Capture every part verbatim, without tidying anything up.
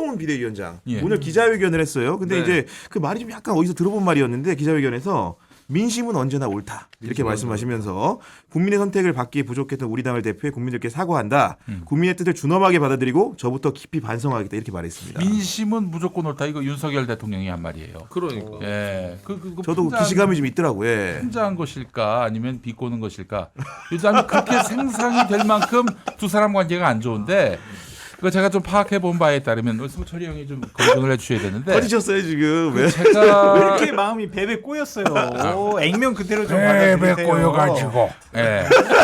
한동훈 비대위원장 예. 오늘 기자회견을 했어요. 근데 네. 이제 그 말이 좀 약간 어디서 들어본 말이었는데 기자회견에서 민심은 언제나 옳다 이렇게 말씀하시면서 국민의 선택을 받기에 부족했던 우리 당을 대표해 국민들께 사과한다. 음. 국민의 뜻을 준엄하게 받아들이고 저부터 깊이 반성하겠다 이렇게 말했습니다. 민심은 무조건 옳다. 이거 윤석열 대통령이 한 말이에요. 그러니까. 예, 그, 그, 그 저도 풍자한- 기시감이 좀 있더라고요. 예. 풍자한 것일까 아니면 비꼬는 것일까? 요즘 그렇게 생산이 될 만큼 두 사람 관계가 안 좋은데. 그 제가 좀 파악해 본 바에 따르면 소철이 형이 좀 검증을 해주셔야 되는데. 터지셨어요 지금. 왜? 왜 제가 이렇게 마음이 베베 꼬였어요. 오, 액면 그대로 좀 베베 받아들이세요. 꼬여가지고. 예.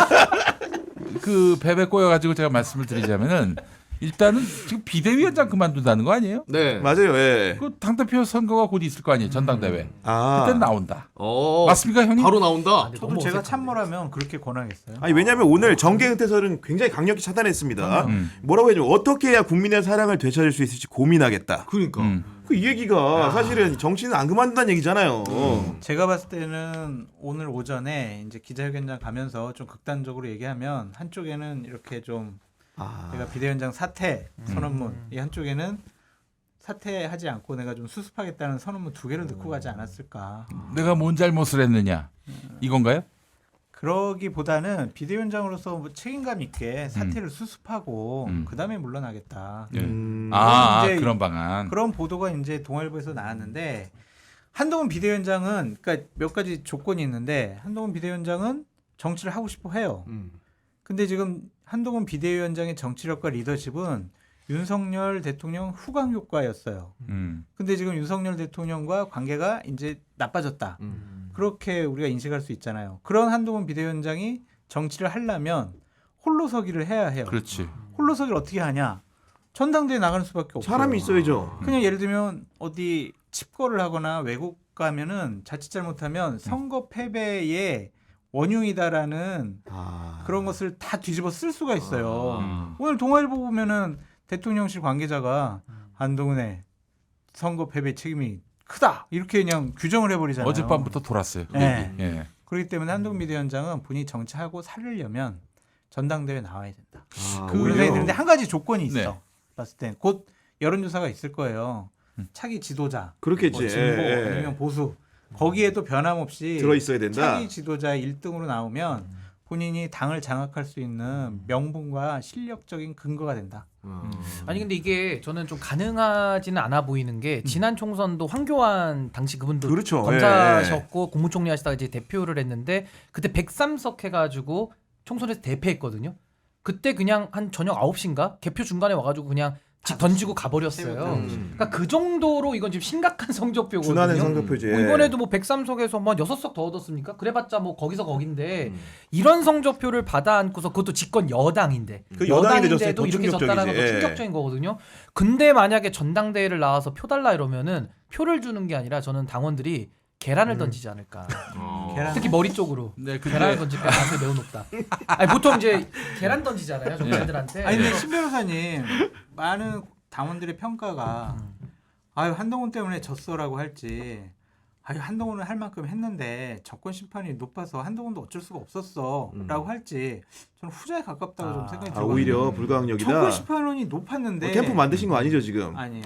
그 베베 꼬여가지고 제가 말씀을 드리자면은 일단은 지금 비대위원장 그만둔다는 거 아니에요? 네. 맞아요. 예. 그 당대표 선거가 곧 있을 거 아니에요, 전당대회. 아. 그때 나온다. 어. 맞습니까, 형님? 바로 나온다. 저도 제가 참모라면 그렇게 권하겠어요. 아니 왜냐하면 오늘 정계 은퇴설은 굉장히 강력히 차단했습니다. 음. 뭐라고 해야죠? 어떻게 해야 국민의 사랑을 되찾을 수 있을지 고민하겠다. 그러니까. 음. 그 이 얘기가 사실은 정치는 안 그만둔다는 얘기잖아요. 제가 봤을 때는 오늘 오전에 이제 기자회견장 가면서 좀 극단적으로 얘기하면 한쪽에는 이렇게 좀 아. 내가 비대위원장 사퇴 선언문, 이 한쪽에는 사퇴하지 않고 내가 좀 수습하겠다는 선언문 두 개를 넣고 가지 않았을까. 내가 뭔 잘못을 했느냐 이건가요? 그러기보다는 비대위원장으로서 뭐 책임감 있게 사퇴를 수습하고 음. 그다음에 물러나겠다. 예. 음. 아, 아 이제 그런 방안. 그런 보도가 이제 동아일보에서 나왔는데 한동훈 비대위원장은 그러니까 몇 가지 조건이 있는데 한동훈 비대위원장은 정치를 하고 싶어 해요. 음. 근데 지금 한동훈 비대위원장의 정치력과 리더십은 윤석열 대통령 후광 효과였어요. 음. 근데 지금 윤석열 대통령과 관계가 이제 나빠졌다. 음. 그렇게 우리가 인식할 수 있잖아요. 그런 한동훈 비대위원장이 정치를 하려면 홀로서기를 해야 해요. 그렇지. 홀로서기를 어떻게 하냐? 전당대회 나가는 수밖에 없어요. 사람이 있어야죠. 그냥 예를 들면 어디 칩거를 하거나 외국 가면은 자칫 잘못하면 선거 패배의 원흉이다라는 아. 그런 것을 다 뒤집어 쓸 수가 있어요. 음. 오늘 동아일보 보면은 대통령실 관계자가 한동훈의 선거 패배 책임이 크다 이렇게 그냥 규정을 해버리잖아요. 어젯밤부터 돌았어요. 그 네. 얘기. 예. 그렇기 때문에 한동훈 비대위원장은 본인이 정치하고 살려면 전당대회 나와야 된다. 아, 그- 그런 오히려. 생각이 드는데 한 가지 조건이 있어. 네. 봤을 때 곧 여론조사가 있을 거예요. 음. 차기 지도자, 그렇겠지. 뭐 진보 예, 예. 아니면 보수 거기에도 변함없이 들어 있어야 된다. 차기 지도자 일 등으로 나오면 본인이 당을 장악할 수 있는 명분과 실력적인 근거가 된다. 음. 아니 근데 이게 저는 좀 가능하지는 않아 보이는 게 지난 총선도 황교안 당시 그분도 그렇죠. 검사셨고 국무총리 하시다가 이제 대표를 했는데 그때 백삼 석 해가지고 총선에서 대패했거든요. 그때 그냥 한 저녁 아홉 시인가 개표 중간에 와가지고 그냥 집 던지고 가버렸어요. 음. 그러니까 그 정도로 이건 지금 심각한 성적표거든요. 준하는 성적표지. 뭐 이번에도 뭐 백삼 석에서 뭐 여섯 석 더 얻었습니까? 그래봤자 뭐 거기서 거긴데 음. 이런 성적표를 받아 안고서 그것도 집권 여당인데 그 여당인데 졌을 여당인데도 때 이렇게 더 졌다라는 건 충격적이지. 충격적인 거거든요. 근데 만약에 전당대회를 나와서 표 달라 이러면은 표를 주는 게 아니라 저는 당원들이 계란을 던지지 않을까. 어. 계란- 특히 머리 쪽으로. 네, 근데 계란을 던질 가능성이 매우 높다. 아니, 보통 이제 계란 던지잖아요, 정치인들한테. 아니 근데 신 변호사님 많은 당원들의 평가가 아유 한동훈 때문에 졌어라고 할지 아유 한동훈은 할 만큼 했는데 정권 심판이 높아서 한동훈도 어쩔 수가 없었어라고 할지 저는 후자에 가깝다고 좀 생각이 아, 들거든요. 오히려 불가항력이다. 정권 심판원이 높았는데 어, 캠프 만드신 거 아니죠 지금? 아니에요.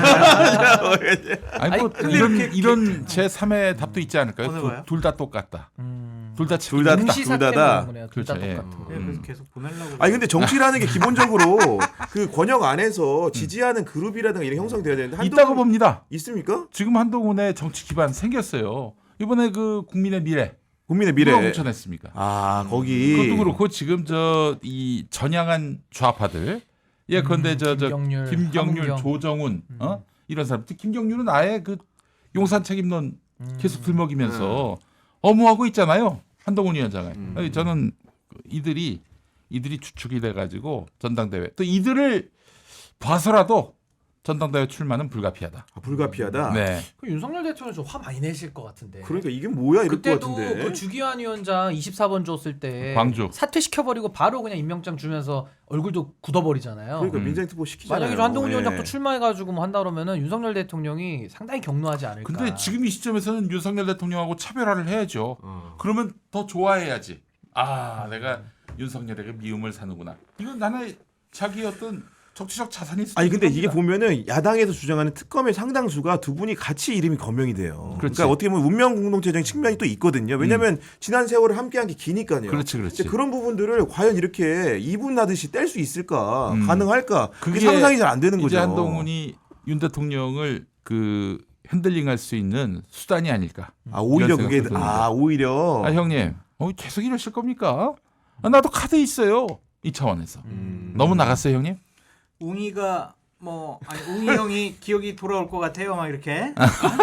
아니 뭐 근데 이런 이렇게- 이런 제 삼의 답도 있지 어느 않을까요? 거요? 둘 다 똑같다. 음. 둘 다 둘 다 동시 둘 다다. 사태는 거네요. 둘 다 그렇죠, 예. 똑같은. 네, 그래서 계속 보내려고. 아니 근데 정치라는 게 기본적으로 그 권역 안에서 지지하는 그룹이라든가 이런 형성돼야 되는데 한동훈 있다고 봅니다. 있습니까? 지금 한동훈의 정치 기반 생겼어요. 이번에 그 국민의 미래 국민의 누가 미래. 공천했습니까? 아 거기. 그것도 그렇고 지금 저 이 전향한 좌파들 예컨대 저 저 김경률, 김경률, 함은경. 조정훈 어 이런 사람. 김경률은 아예 그 용산 책임론 계속 들먹이면서 어무하고 있잖아요. 한동훈 위원장을. 음. 아니, 저는 이들이 이들이 주축이 돼가지고 전당대회 또 이들을 봐서라도 전당대회 출마는 불가피하다. 아, 불가피하다. 네. 그 윤석열 대통령 좀 화 많이 내실 것 같은데. 그러니까 이게 뭐야 이럴 것 그때도 같은데. 그 주기환 위원장 이십사 번 줬을 때 광주. 사퇴시켜버리고 바로 그냥 임명장 주면서 얼굴도 굳어버리잖아요. 그러니까 음. 민주당 투표 시키잖아요. 만약에 저 한동훈 예. 위원장 또 출마해가지고 뭐 한다 그러면은 윤석열 대통령이 상당히 격노하지 않을까. 근데 지금 이 시점에서는 윤석열 대통령하고 차별화를 해야죠. 어. 그러면 더 좋아해야지. 아, 내가 윤석열에게 미움을 사는구나. 이건 나는 자기 어떤 정치적 자산이 있을 아니 근데 겁니다. 이게 보면은 야당에서 주장하는 특검의 상당수가 두 분이 같이 이름이 거명이 돼요. 그렇지. 그러니까 어떻게 보면 운명 공동체적인 측면이 또 있거든요. 왜냐하면 지난 세월을 함께한 게 기니까요. 그렇지, 그렇지. 근데 그런 부분들을 과연 이렇게 이분하듯이 뗄 수 있을까, 음. 가능할까? 그게 그게 상상이 잘 안 되는 거죠. 이제 한동훈이 윤 대통령을 그 핸들링할 수 있는 수단이 아닐까. 아 오히려 이런 그게 생각도 드는데. 아 오히려 아 형님, 어, 계속 이러실 겁니까? 아, 나도 카드 있어요. 이 차원에서 음. 너무 나갔어요, 형님. 웅이가 뭐 아니 웅이 형이 기억이 돌아올 것 같아요 막 이렇게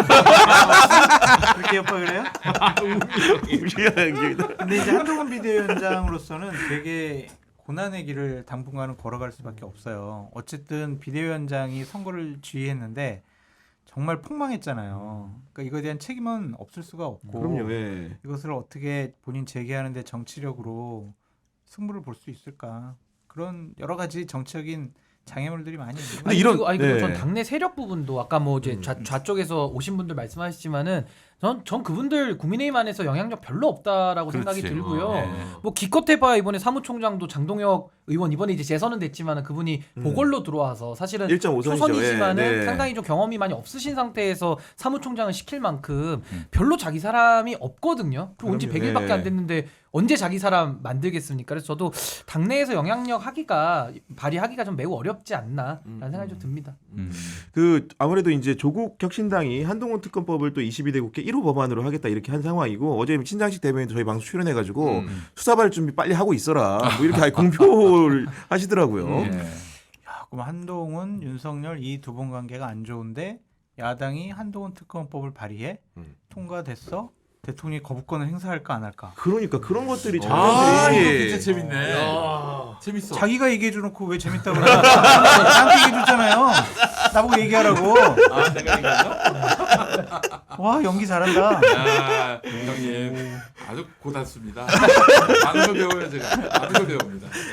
그렇게 옆에 그래요? 근데 이제 한동훈 비대위원장으로서는 되게 고난의 길을 당분간은 걸어갈 수밖에 없어요. 어쨌든 비대위원장이 선거를 지휘했는데 정말 폭망했잖아요. 그러니까 이거에 대한 책임은 없을 수가 없고 그럼요. 예. 이것을 어떻게 본인 제기하는데 정치력으로 승부를 볼 수 있을까? 그런 여러 가지 정치적인 장애물들이 많이 있는 근데 거예요. 이런- 그리고, 아니 그리고 네. 전 당내 세력 부분도 아까 뭐 이제 좌, 음. 좌쪽에서 오신 분들 말씀하시지만은 전, 전 그분들 국민의힘 안에서 영향력 별로 없다라고 생각이 그렇지. 들고요. 어, 네. 뭐 기껏해봐야 이번에 사무총장도 장동혁 의원 이번에 이제 재선은 됐지만은 그분이 음. 보궐로 들어와서 사실은 일 점 오 선이죠. 초선이지만은 예, 네. 상당히 좀 경험이 많이 없으신 상태에서 사무총장을 시킬 만큼 음. 별로 자기 사람이 없거든요. 그리고 온지 그럼요. 백 일밖에 네. 안 됐는데 언제 자기 사람 만들겠습니까? 그래서 저도 당내에서 영향력 하기가 발휘하기가 좀 매우 어렵지 않나라는 음, 생각이 좀 듭니다. 음. 그 아무래도 이제 조국 혁신당이 한동훈 특검법을 또 이십이 대 국회 일 호 법안으로 하겠다 이렇게 한 상황이고 어제 신장식 대변인도 저희 방송 출연해가지고 음. 수사받을 준비 빨리 하고 있어라 뭐 이렇게 아예 공표를 하시더라고요. 예. 야, 그럼 한동훈, 윤석열 이 두 분 관계가 안 좋은데 야당이 한동훈 특검법을 발의해 음. 통과됐어? 대통령이 거부권을 행사할까 안 할까? 그러니까 그런 것들이 아, 이거 장면들이 진짜 재밌네. 재밌어. 자기가 얘기해 주놓고 왜 재밌다고 그래? 나한테 얘기해 줬잖아요. 나보고 얘기하라고. 아, 내가 이거죠? 와 연기 잘한다. 아, 형님 아주 고단수입니다. 많은 걸 배워요 제가. 많은 걸 배웁니다.